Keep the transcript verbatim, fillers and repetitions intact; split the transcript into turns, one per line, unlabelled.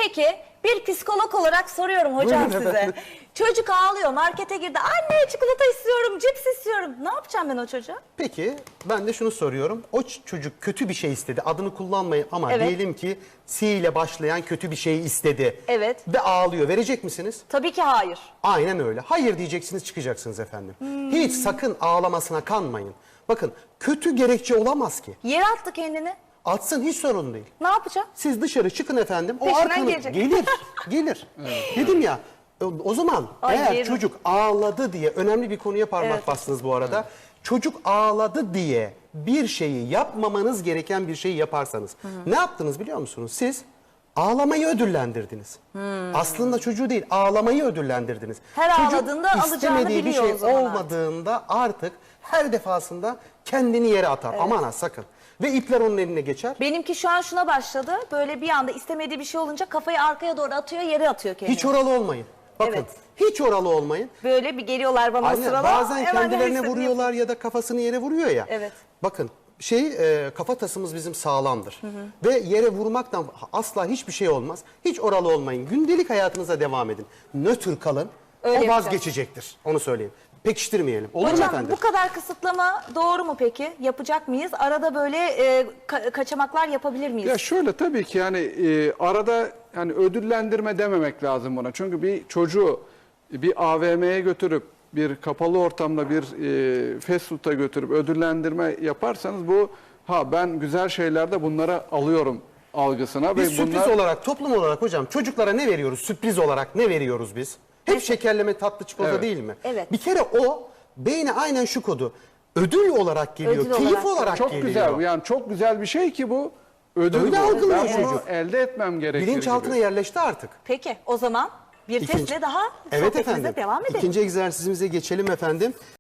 Peki bir psikolog olarak soruyorum hocam
Buyurun
size.
efendim.
Çocuk ağlıyor, markete girdi. Anne çikolata istiyorum, cips istiyorum. Ne yapacağım ben o çocuğa?
Peki ben de şunu soruyorum. O ç- çocuk kötü bir şey istedi. Adını kullanmayın ama
Evet.
diyelim ki C ile başlayan kötü bir şey istedi.
Evet.
Ve ağlıyor. Verecek misiniz?
Tabii ki hayır.
Aynen öyle. Hayır diyeceksiniz, çıkacaksınız efendim.
Hmm.
Hiç sakın ağlamasına kanmayın. Bakın kötü gerekçe olamaz ki.
Yere attı kendini.
Atsın, hiç sorun değil.
Ne yapacağım?
Siz dışarı çıkın efendim. O
Peşinden
arkanı
gelecek.
gelir. Gelir. Dedim ya. o- O zaman
Ay,
eğer
yerim.
çocuk ağladı diye önemli bir konuya parmak
Evet.
bastınız bu arada. Çocuk ağladı diye bir şeyi yapmamanız gereken bir şeyi yaparsanız ne yaptınız biliyor musunuz? Siz ağlamayı ödüllendirdiniz. Aslında çocuğu değil, ağlamayı ödüllendirdiniz.
Her
Çocuk
ağladığında alacağını
istemediği bir
biliyor
şey
o zaman artık.
olmadığında artık her defasında kendini yere atar. Aman ha, sakın. Ve ipler onun eline geçer.
Benimki şu an şuna başladı. Böyle bir anda istemediği bir şey olunca kafayı arkaya doğru atıyor, yere atıyor kendini.
Hiç oralı olmayın. Bakın,
Evet.
hiç oralı olmayın.
Böyle bir geliyorlar bana o
Aynen,
sırada.
bazen
hemen
kendilerine
nefesini
vuruyorlar ya da kafasını yere vuruyor ya.
Evet.
Bakın şey e, kafatasımız bizim sağlamdır. Ve yere vurmaktan asla hiçbir şey olmaz. Hiç oralı olmayın. Gündelik hayatınıza devam edin. Nötr kalın.
Öyle
o
yapacağız.
vazgeçecektir. Onu söyleyeyim. Pekiştirmeyelim. Olur mu
Hocam
efendim?
bu kadar kısıtlama doğru mu peki? Yapacak mıyız? Arada böyle e, ka- kaçamaklar yapabilir miyiz?
Ya şöyle, tabii ki yani e, arada yani ödüllendirme dememek lazım buna. Çünkü bir çocuğu bir A V M'ye götürüp bir kapalı ortamda bir e, fast food'a götürüp ödüllendirme yaparsanız bu ha ben güzel şeylerde bunlara alıyorum algısına
Biz
ve
sürpriz
bunlar
olarak, toplum olarak hocam çocuklara ne veriyoruz? Sürpriz olarak ne veriyoruz biz? Hep şekerleme, tatlı, çikolata
Evet.
değil mi?
Evet.
Bir kere o beyne aynen şu kodu. Ödül olarak geliyor,
Ödül
keyif
olarak.
olarak
çok
geliyor.
güzel, yani çok güzel bir şey ki bu ödül.
Öyle
bu.
algılıyor
Ben bunu
çocuk.
elde etmem gerekir
Bilinçaltına
gibi.
yerleşti artık.
Peki o zaman bir
İkinci-
testle daha
Evet
sohbetimize
efendim.
devam edelim.
İkinci egzersizimize geçelim efendim.